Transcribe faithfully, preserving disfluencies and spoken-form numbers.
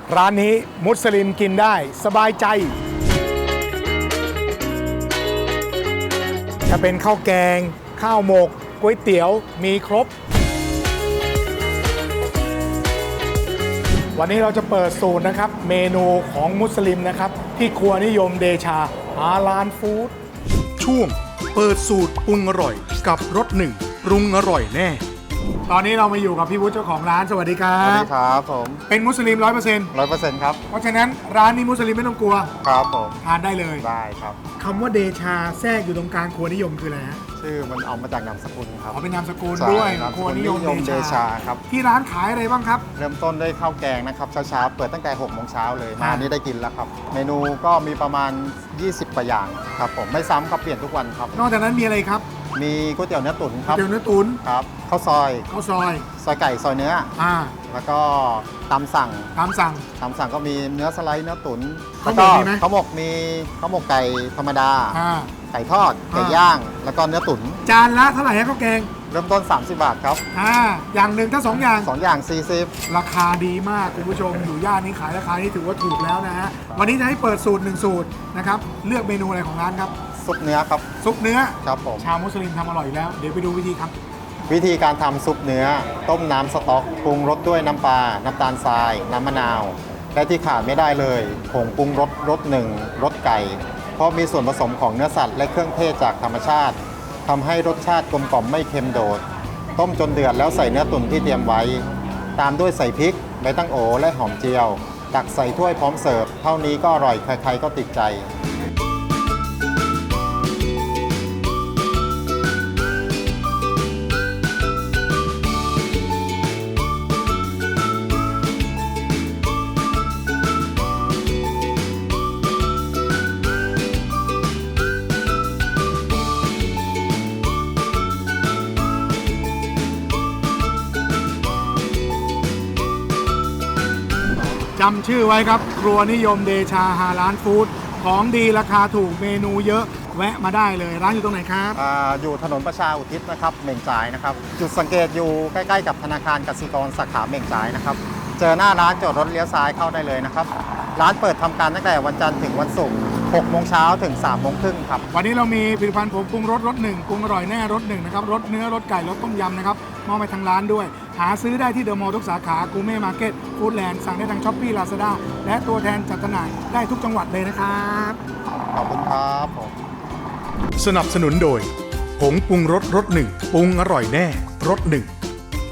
ร้านนี้มุสลิมกินได้สบายใจจะเป็นข้าวแกงข้าวหมกก๋วยเตี๋ยวมีครบวันนี้เราจะเปิดสูตรนะครับเมนูของมุสลิมนะครับที่ครัวนิยมเดชาฮาลาลฟู้ดช่วงเปิดสูตรปรุงอร่อยกับรสหนึ่งปรุงอร่อยแน่ตอนนี้เรามาอยู่กับพี่วุฒิเจ้าของร้านสวัสดีครัสวัสบดีครับผมเป็นมุสลิมร้อยเปอร์เซ็นต์ร้อยเปอร์เซ็นต์ครับเพราะฉะนั้นร้านนี้มุสลิมไม่ต้องกลัวครับผมทานได้เลยได้ครับคำว่าเดชาแทรกอยู่ตรงกลางครัวนิยมคืออะไรฮะชื่อมันเอามาจากนามสกุลครับขอเป็นนามสกุลใช่ด้วยนามสครัวกุลนินิยยมมเดเดชาชาครับที่ร้านขายอะไรบ้างครับเริ่มต้นด้วยข้าวแกงนะครับเช้าๆเปิดตั้งแต่หกโมงเช้าเลยอ่ามมานี่ได้กินแล้วครับ เมนูก็มีประมาณ ยี่สิบกว่าอย่างครับผมไม่ซ้ำครับเปลี่ยนทุกวันครับนอกจากนั้นมีอะไรครับมีก๋วยเตี๋ยวเนื้อตุ๋นครับเตี๋ยวเนื้อตุ๋นครับข้าวซอยข้าวซอยซอยไก่ซอยเนื้ออ่าแล้วก็ตำสั่งตามสั่งตำสั่งก็มีเนื้อสไลด์เนื้อตุ๋นข้าวแล้วหมก็กมีไหมข้าวหมกมีข้าวหมกไก่ธรรมดาอ่าไก่ทอดไก่อ่าย่าง แล้วก็เนื้อตุ๋นจานละเท่าไหร่ฮะข้าวแกงเริ่มต้น สามสิบบาทครับอ่าอย่างหนึ่งถ้าสองอย่างสองอย่างสี่สิบราคาดีมากคุณผู้ชมอยู่ย่านนี้ขายราคานี้ถือว่าถูกแล้วนะฮะวันนี้จะให้เปิดสูตรหนึ่งสูตรนะครับเลือกเมนูอะไรของร้านครับซุปเนื้อครับซุปเนื้อครับผมชาวมุสลิมทำอร่อยอยู่แล้ว เดี๋ยวไปดูวิธีครับวิธีการทำซุปเนื้อ ต้มน้ำสต๊อกปรุงรสด้วยน้ำปลา น้ำตาลทราย น้ำมะนาว และที่ขาดไม่ได้เลยผงปรุงรสรสหนึ่งรสไก่ เพราะมีส่วนผสมของเนื้อสัตว์และเครื่องเทศจากธรรมชาติทำให้รสชาติกลมกล่อมไม่เค็มโดด ต้มจนเดือดแล้วใส่เนื้อตุ๋นที่เตรียมไว้ ตามด้วยใส่พริกใบตั้งโอและหอมเจียว ตักใส่ถ้วยพร้อมเสิร์ฟเท่านี้ก็อร่อยใครๆก็ติดใจจำชื่อไว้ครับ ครัวนิยมเดชาฮาลาลฟู้ดของดีราคาถูกเมนูเยอะแวะมาได้เลยร้านอยู่ตรงไหนครับอ่าอยู่ถนนประชาอุทิศนะครับเหม่งจ่ายนะครับจุดสังเกตอยู่ใกล้ๆกับธนาคารกสิกรสาขาเหม่งจ่ายนะครับเจอหน้าร้านจอดรถเลี้ยวซ้ายเข้าได้เลยนะครับร้านเปิดทำการตั้งแต่วันจันทร์ถึงวันศุกร์หกโมงเช้าถึงสามโมงครึ่งครับวันนี้เรามีผลิตภัณฑ์ผงปรุงรสรสหนึ่งปรุงอร่อยแน่รสหนึ่งนะครับรสเนื้อรสไก่รสต้มยำนะครับมอบไปทางร้านด้วย หาซื้อได้ที่เดอะมอลล์ทุกสาขากูเม่มาร์เก็ตฟู้ดแลนด์สั่งได้ทางช้อปปี้ลาซาด้าและตัวแทนจัดจำหน่ายได้ทุกจังหวัดเลยนะครับขอบคุณครับผมสนับสนุนโดยผงปรุงรสรสหนึ่งปรุงอร่อยแน่รสหนึ่ง